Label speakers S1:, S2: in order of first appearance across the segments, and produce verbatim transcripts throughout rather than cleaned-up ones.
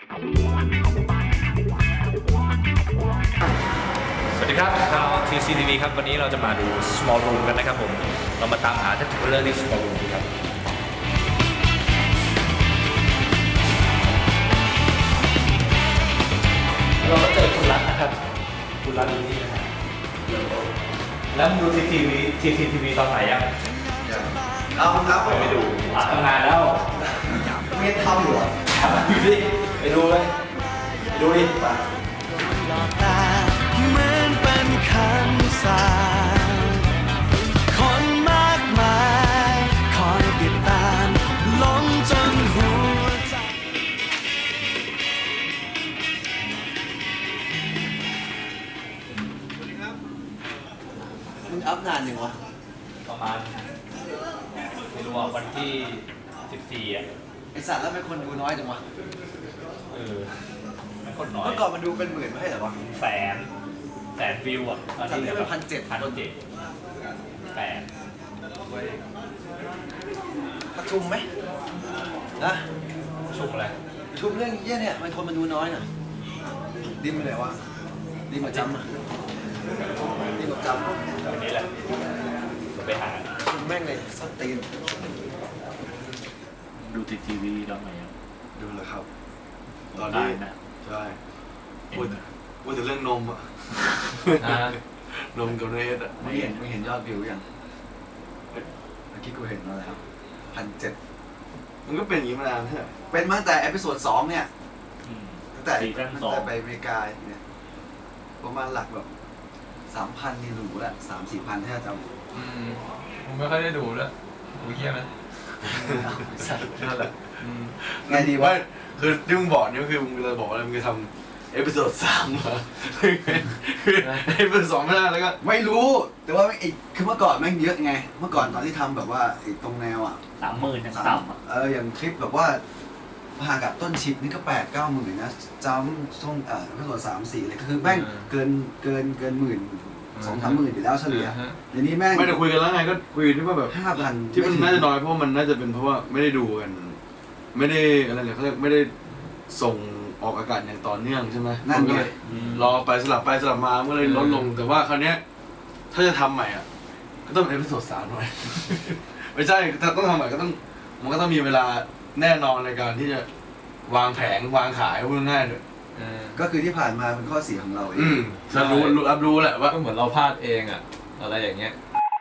S1: สวัสดีครับชาว ที ซี ที วี ครับวันนี้เราจะมาดู Small Room กันนะครับผมเรามาตามหาแท็ทูเลอร์ที่ Small Room ครับเราก็เจอคุณรัตนะครับคุณรัตอยู่นี่นะครับแล้วดู ที ซี ที วี ที ซี ที วี ตอนไหนยัง
S2: เอาครับ
S1: ไปดูทำงานแล้ว
S2: เมียทำอยู่เหรอ
S1: ดูดิไปดูเลยไปดูดิป่ะ
S3: เหมือนเป็นคำสาปคนมากมายคอยติดตามหลงจนหัวใจ
S2: มึงอัพนานยังวะ
S1: ประมาณไม่รู้ว่าวันที่สิบสี่อ่ะ
S2: ไอสัตว์แล้วเป็นคนดูน้อยจังวะ
S1: เออมันคนน้อย
S2: เมื่อก่อนมันดูเป็นหมื่นไม่ใช่เหรอวะ
S1: แสนแสนวิวอ่ะ
S2: ตอนนี้เป็นพันเจ็ด
S1: พันเจ็ดแปด
S2: ประชุมไหมนะ
S1: ชุกอะไร
S2: ประชุมเรื่องเยี่ยเนี่ยมันคนมันดูน้อยน่ะดิมไปไหนวะดิมกับจำอ่ะดิมกับจำ
S1: วันนี้แหละไปหา
S2: ประชุมแม่งเลยสตีน
S1: ดูทีทีวีแล้วไหม
S4: ดูแล้วครับ ตอน
S1: ได้
S4: นี้
S1: นะ
S4: ใช่พูดพูดถึงเรื่องนมอะ
S1: อ่าน
S4: มกับเนสอะ
S2: ไม่เห็นไม่เห็นยอดวิวยังเมื่อกี้กูเห็นมาแล้วพันเจ็ด
S4: มันก็เป็นอย่างนี้มานานใช่ไหม
S2: เป็นมาตั้งแต่เอพิโซดสองเนี่ย
S1: อืม
S2: ตั้งแต่
S1: ซีซั่น
S2: ตั้ง
S1: สอง
S2: แต่ไปอเมริกาเนี่ยประมาณหลักแบบสามพันนี่หรูละสามสี่พันถ้าจำ
S5: อืมผมไม่ค่อยได้ดูแล้วดูเยี่ยมนะ
S4: นั่นแหละ
S5: อืม
S2: ไงดีวะ
S4: ไม่คือที่มึงบอกนี่ก็คือมึงจะบอกอะไรมึงจะทำเอพิโซดสามเหรอคือเอพิโซดสองไม่ได้แล้วก็
S2: ไม่รู้ แต่ว่าไอ้คือเมื่อก่อนแม่งเยอะไง เมื่อก่อนตอนที่ทำแบบว่าไอ้ตรงแนวอ่ะ
S1: สามหมื่นยังต่ำอ่ะ
S2: เอออย่างคลิปแบบว่าพากับต้นชิปนี่ก็แปดเก้าหมื่นนะจำช่วงเอ่อเอพิโซดสามสี่เลยคือแม่งเกินเกินเกินหมื่นสองสามหมื่นอยู่แล้วเฉลี่ยเดี๋ยวนี้แม่ง
S4: ไม่ได้คุยกันแล้วไงก็คุยที่ว่าแบบ
S2: ห้าพัน
S4: ที่มันน่าจะน้อยเพราะว่ามันน่าจะเป็นเพราะว่าไม่ได้ดูกัน ไม่ได้อะไรเนี่ยเขาเรียกไม่ได้ส่งออกอากาศอย่างต่อเนื่องใช่ไหม
S2: นั่น
S4: มัก็
S2: ไง
S4: เลยรอไปสลับไปสลับมามันก็เลยลดลง แต่ว่าคราวเนี้ยถ้าจะทำใหม่อ่ะก็ต้องเป็นเอพิโซดสามหน่อย ไม่ใช่ถ้าต้องทำใหม่ก็ต้องมันก็ต้องมีเวลาแน่นอนในการที่จะวางแผงวางขายพูดง่ายๆเลย
S5: เออ
S2: ก็คือที่ผ่านมาเป็นข้อเสียของเราเอ
S4: อื
S2: ง
S4: มรับรู้รู้รับรู้แหละว่า
S5: ก็เหมือนเราพลาดเองอะอะไรอย่างเงี้ย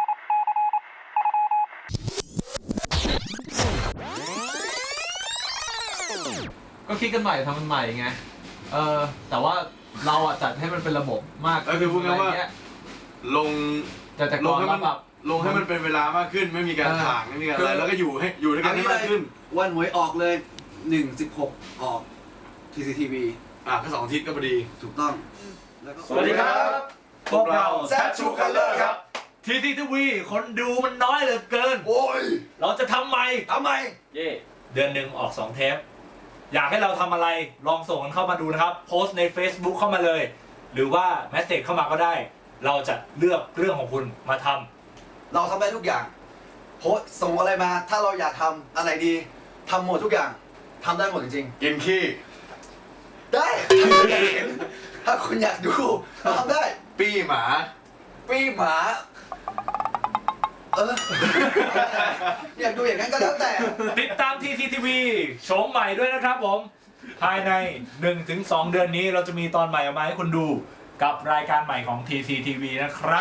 S5: ก็คิดกันใหม่ทำมันใหม่ไงเออแต่ว่าเราอะจัดให้มันเป็นระบบมาก
S4: ก็คือพูดง่ายๆว่า
S5: ะไรเงี้ย
S4: ลง
S5: แต่แต่
S4: ล
S5: ก่
S4: ง
S5: อน
S4: ให้
S5: เรา
S4: มัน
S5: แบบ
S4: ลงให้มันเป็นเวลามากขึ้น ไม่มีการ
S5: เออ
S4: ถ่างไม่มีการ
S5: คือ
S4: อะไรแล้วก็อยู่ให้อยู่ด้วยกั
S2: อั
S4: น
S2: น
S4: ให้
S2: นี้
S4: มากขึ้น
S2: วันหวยออกเลยหนึ่งสิบหกออก ที ซี ที วี
S4: อ่ะก็สองอาทิตย์ก็พอดี
S2: ถูกต้องแล้วก็
S1: สวัสดีครับ พวกเรา
S4: แซดชูคัลเลอร์ครับ
S1: ทีทีทีวีคนดูมันน้อยเหลือเกิน
S2: โอ้ย
S1: เราจะทำใหม่
S2: ทำไม
S1: เย่เดือนหนึ่งออกสองเทป อยากให้เราทำอะไรลองส่งกันเข้ามาดูนะครับ โพสต์ใน Facebook เข้ามาเลย หรือว่าแมสเซจเข้ามาก็ได้ เราจะเลือกเรื่องของคุณมาทำ
S2: เราทำได้ทุกอย่างโพสต์ส่งอะไรมา ถ้าเราอยากทำอะไรดีทำหมดทุกอย่างทำได้หมดจริง
S4: กินขี้
S2: ๆ ได้ถ้าคุณอยากเห็นถ้าคุณอยากดูทำได้
S4: ปี้หมา
S2: ปีหมา เออ อยากดูอย่างนั้นก็แล้วแต่
S1: ติดตาม ที ซี ที วี โฉมใหม่ด้วยนะครับผม ภายใน หนึ่งถึงสอง เดือนนี้เราจะมีตอนใหม่ออกมาให้คุณดูกับรายการใหม่ของ ที ซี ที วี นะครับ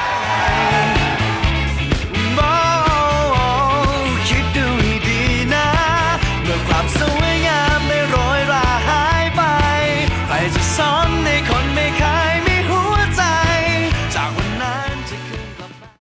S3: คิดดูให้ดีนะเมื่อความสวยงามไม่โรยราหายไปใครจะสอน